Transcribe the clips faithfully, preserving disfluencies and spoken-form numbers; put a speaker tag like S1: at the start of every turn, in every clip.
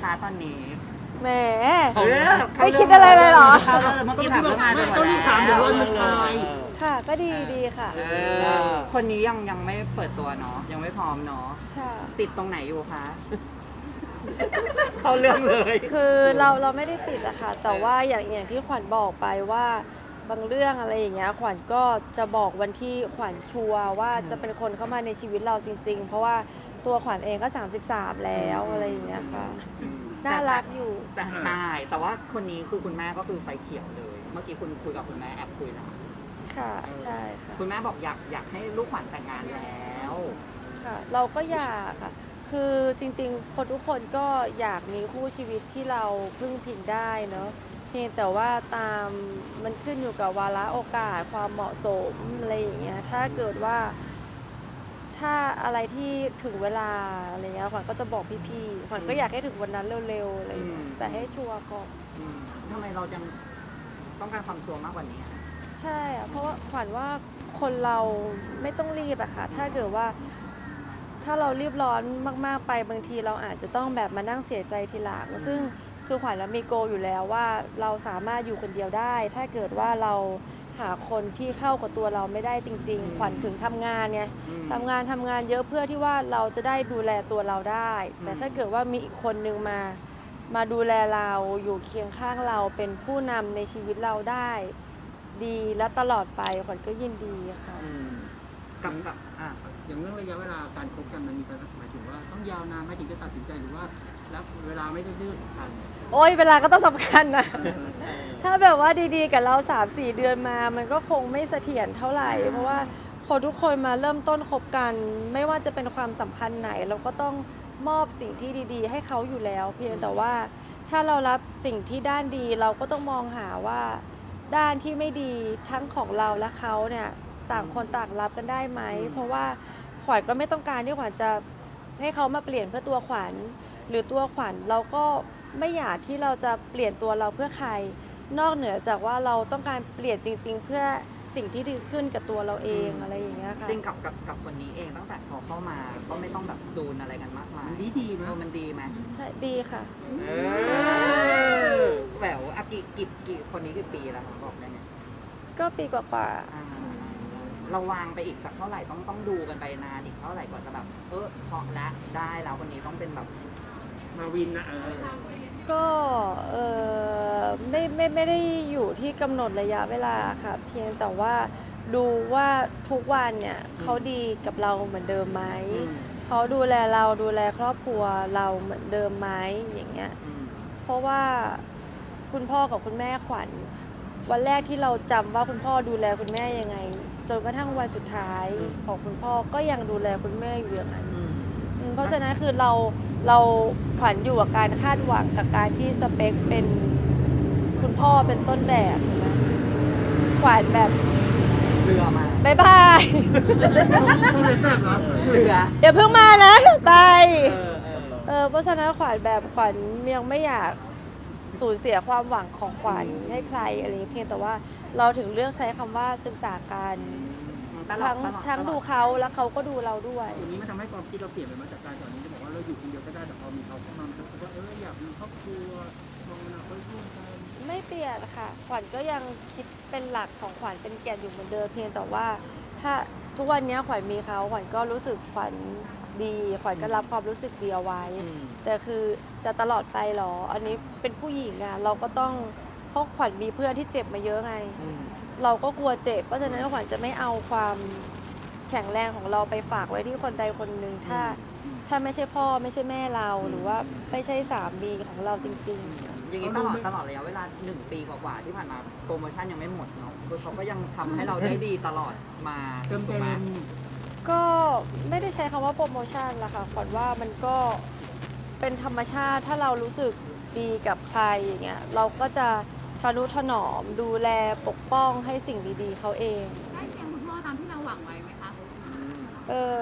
S1: คะตอนนี้
S2: แหม
S1: เออ
S2: ไม่คิดอะไรเลยเหรอ
S1: เข้าเรื่องเมื่อกี้ถามเรื่องงานไปหมด
S3: ต้อง
S1: แล้ว
S3: ถามเดี๋ยววันสุดท้าย
S2: ค่ะ ก็ดีดีค่ะ
S1: เออคนนี้ยังยังไม่เปิดตัวเนาะยังไม่พร้อมเนาะ
S2: ใช่
S1: ติดตรงไหนอยู่คะ เข้าเรื่องเลย
S2: คือเราเราไม่ได้ติดอะค่ะ แต่ว่าอย่างอย่างที่ขวัญบอกไปว่าบางเรื่องอะไรอย่างเงี้ยขวัญก็จะบอกวันที่ขวัญชัวร์ว่าจะเป็นคนเข้ามาในชีวิตเราจริง ๆ เพราะว่าตัวขวัญเองก็สามสิบสามแล้วอะไรอย่างเงี้ยค่ะ น่ารักอยู่
S1: แต่ใช่แต่ว่าคนนี้คือคุณแม่ก็คือไฟเขียวเลย เมื่อกี้คุณคุยกับคุณแม่แอบคุยแล้ว
S2: ค่ะ ใช่ค่ะ
S1: คุณแม่บอกอยากอยากให้ลูกขวัญแต่งงานแล้ว
S2: ค่ะ เราก็อยากค่ะ คือจริงๆคนทุกคนก็อยากมีคู่ชีวิตที่เราพึ่งพิงได้เนาะเพียงแต่ว่าตามมันขึ้นอยู่กับวาระโอกาสความเหมาะสมอะไรอย่างเงี้ยถ้าเกิดว่า ถ้าอะไรที่ถึงเวลาอะไรเงี้ยขวัญก็จะบอกพี่ๆขวัญก็อยากให้ถึงวันนั้นเร็วๆอะไรอย่างเงี้ยแต่ให้ชัวร์ก่อน
S1: อืมทำไมเรายังต้องการความชัวร์มากกว่านี้อะ
S2: ใช่อะเพราะว่าขวัญว่าคนเราไม่ต้องรีบอะค่ะถ้าเกิดว่าถ้าเรารีบร้อนมากๆไปบางทีเราอาจจะต้องแบบมานั่งเสียใจทีหลังซึ่งคือขวัญมีโกอยู่แล้วว่าเราสามารถอยู่คนเดียวได้ ถ้าเกิดว่าเราหาคนที่เข้ากับตัวเราไม่ได้จริง ๆ ขวัญถึงทำงานไง
S1: อืม
S2: ทำงานทำงานเยอะเพื่อที่ว่าเราจะได้ดูแลตัวเราได้ แต่ถ้าเกิดว่ามีอีกคนนึงมามาดูแลเราอยู่เคียงข้างเราเป็นผู้นำในชีวิตเราได้ ดีและตลอดไปขวัญก็ยินดีค่ะ
S1: อืมกับกับอ่ะ
S3: อย่างเรื่องระยะเวลาการคบกันมันมีการหมายถึงว่าต้องยาวนานไหมถึงจะตัดสินใจหรือว่าแล้วเวลาไม่ได้ดื้อสำคัญ
S2: โอ้ยเวลาก็ต้องสำคัญนะ ถ้าแบบว่าดีๆกับเรา สามสี่ เดือนมา มันก็คงไม่เสถียรเท่าไหร่ เพราะว่าพอทุกคนมาเริ่มต้นคบกัน ไม่ว่าจะเป็นความสัมพันธ์ไหน เราก็ต้องมอบสิ่งที่ดีๆ ให้เขาอยู่แล้ว เพียงแต่ว่าถ้าเรารับสิ่งที่ด้านดีเราก็ต้องมองหาว่าด้านที่ไม่ดีทั้งของเราและเขาเนี่ยต่างคนต่างรับกันได้ไหม เพราะว่าขวัญก็ไม่ต้องการที่ขวัญจะให้เขามาเปลี่ยนเพื่อตัวขวัญ หรือตัวขวัญเราก็ไม่อยากที่เราจะเปลี่ยนตัวเราเพื่อใคร นอกเหนือจากว่าเราต้องการเปลี่ยนจริง ๆ เพื่อสิ่งที่ดีขึ้นกับตัวเราเองอะไรอย่างเงี้ยค่ะ
S1: จริงกับกับกับคนนี้เองตั้งแต่เขาเข้ามาก็ไม่ต้องแบบจูนอะไรกันมากมาย
S3: มันดีดีๆ
S1: เอ
S3: นะ
S1: อมันดีไหม
S2: ใช่ดีค่ะ
S1: เออแหววอากิกี่กี่คนนี้กี่ปีแล้วคะบอกได้ไหม
S2: ก็ปีกว่า
S1: อ่าเราวางไปอีกสักเท่าไหร่ต้องต้องดูกันไปนานอีกเท่าไหร่กว่าจะแบบ เออเคาะและได้แล้วคนนี้ต้องเป็นแบบ
S3: มาวินนะเออ
S2: ๆก็เออไม่ไม่ไม่ได้อยู่ที่กำหนดระยะเวลาค่ะ เพียงแต่ว่าดูว่าทุกวันเนี่ยเขาดีกับเราเหมือนเดิมไหม
S1: อืม
S2: เขาดูแลเราดูแลครอบครัวเราเหมือนเดิมไหมอย่างเงี้ย
S1: อืม
S2: เพราะว่าคุณพ่อกับคุณแม่ขวัญวันแรกที่เราจำว่าคุณพ่อดูแลคุณแม่ยังไงจนกระทั่งวันสุดท้ายของคุณพ่อก็ยังดูแลคุณแม่อยู่อย่างนั้น
S1: อืม
S2: อืมเพราะฉะนั้นคือเราเราขวัญอยู่กับการคาดหวังกับการที่สเปคเป็นคุณพ่อเป็นต้นแบบนะขวัญแบบ
S1: เรือมา
S2: บายบาย
S3: ต้องเลยแซ่บเหรอ
S1: เรือ
S2: เดี๋ยวเพิ่งมานะบาย
S1: เออเออ
S2: เออเพราะฉะนั้นขวัญแบบขวัญยังไม่อยากสูญเสียความหวังของขวัญให้ใครอะไรอย่างเงี้ยเพียงแต่ว่าเราถึงเลือกใช้คำว่าศึกษากัน
S1: ตลอ
S2: ทั้
S1: ด
S2: ง
S1: ตลอด
S2: ทั้ง
S1: ตลอ
S2: ดูเขาแล้วเขาก็ดูเราด้วย
S3: อย่างนี้มันทำให้ความคิดเราเปลี่ยนไปมาจากการก่อนนี้จะบอกว่าเราอยู่คนเดียวก็ได้แต่พอมีเขาเข้ามามันรู้สึกว่าเอออยากมีครอบครัวมองอนาคตร่วมกัน
S2: ไม่เปลี่ยนค่ะขวัญก็ยังคิดเป็นหลักของขวัญเป็นแก่นอยู่เหมือนเดิมเพียงแต่ว่าถ้าทุกวันนี้ขวัญมีเขาขวัญก็รู้สึกขวัญดีขวัญก็รับความรู้สึกดีเอาไว้
S1: อืม
S2: แต่คือจะตลอดไปหรอ อันนี้เป็นผู้หญิงอะเราก็ต้องเพราะขวัญมีเพื่อนที่เจ็บมาเยอะไง
S1: อืม
S2: เราก็กลัวเจ็บ เพราะฉะนั้นขวัญจะไม่เอาความแข็งแรงของเราไปฝากไว้ที่คนใดคนหนึ่งถ้าถ้าไม่ใช่พ่อไม่ใช่แม่เราหรือว่าไม่ใช่สามีของเราจริงๆ
S1: อย่างนี้ตลอดตลอดระยะเวลาหนึ่งปีกว่าๆที่ผ่านมาโปรโมชั่นยังไม่หมดเนาะคือเขาก็ยังทำให้เราได้ดีตลอดมา
S3: เติม
S1: ถู
S3: เต็
S1: กไหม
S3: ม
S2: ก็ไม่ได้ใช้คำว่าโปรโมชั่นละค่ะขวัญว่ามันก็เป็นธรรมชาติถ้าเรารู้สึกดีกับใครอย่างเงี้ยเราก็จะทนุถนอมดูแลปกป้องให้สิ่งดีๆเขาเอง
S4: ได้เสียงคุณพ่อตามที่เราหวังไว้ไหมคะ
S2: เออ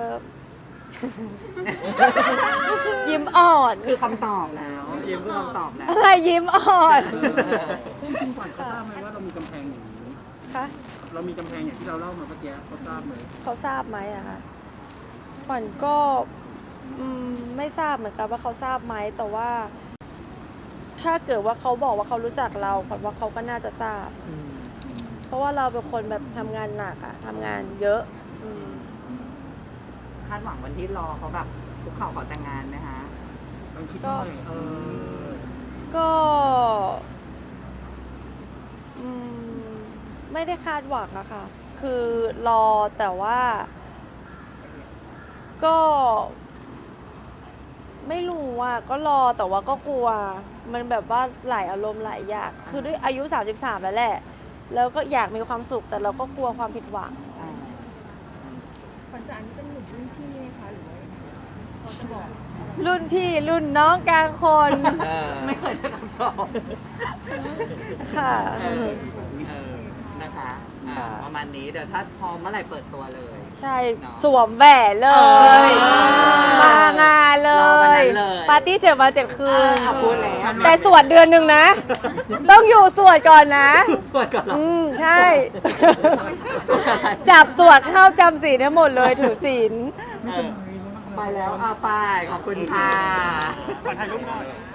S2: ยิ้มอ่อน
S1: คือคำตอบแล้วยิ้มคือคำตอบแล้ว
S2: อะไรยิ้มอ่อน
S3: จริงๆก่อนเขาทราบไหมว่าเรามีกำแพงอย่างนี้
S2: คะ
S3: เรามีกำแพงอย่างที่เราเล่ามาเมื่อกี้เขาทราบไหม
S2: เขาทราบไหมอะคะขวัญก็อืมไม่ทราบเหมือนกันว่าเขาทราบไหมแต่ว่าถ้าเกิดว่าเขาบอกว่าเขารู้จักเราขวัญว่าเขาก็น่าจะทราบ
S1: อืม
S2: เพราะว่าเราเป็นคนแบบทำงานหนักอะทำงานเยอะอืม
S1: คาดหวังวันที่รอเขาแบบคุกเข่าขอแต่งงานไหมคะ
S3: ต้องคิดหน่อยเออ
S2: ก็อืมไม่ได้คาดหวังอะค่ะ คือรอแต่ว่า ก็ ไม่รู้อะก็รอแต่ว่าก็กลัว มันแบบว่าหลายอารมณ์หลายอย่าง คือด้วยอายุสามสิบสามแล้วแหละ แล้วก็อยากมีความสุขแต่เราก็กลัวความผิดหวัง
S1: อ่า
S4: ขวัญจ๋านี่เป็นหนุ่มรุ่นพี่ไหมคะหรือว่าเขาจะบอก
S2: รุ่นพี่รุ่นน้องกลางคน
S1: เออไม่เคยได้คำตอบ
S2: ค่ะ
S1: เออเออนะคะอ่า
S2: ค่ะ
S1: ประมาณนี้เดี๋ยวถ้าพร้อมเมื่อไหร่เปิดตัวเลย
S2: ใช่
S1: เนาะ
S2: สวมแหวนเล
S1: เอย อ
S2: มางานเล
S1: รอวัน
S2: ย
S1: นั้นเลย
S2: ปาร์ตี้เจ็ดวันเจ็ดคืน
S1: อ่าพูดแล้ว
S2: แต่สวดเดือนหนึ่งนะ ต้องอยู่สวดก่อนนะ
S1: สวดก่อนเหรอ
S2: อืม ใช่
S1: สวดอะไร
S2: จับสวดเข้าจำศีลทั้งหมดเลยถือศีล
S1: เออไปแล้วอ่ะไปขอบคุณค่ะ
S3: ขอถ่ายรูปหน่อย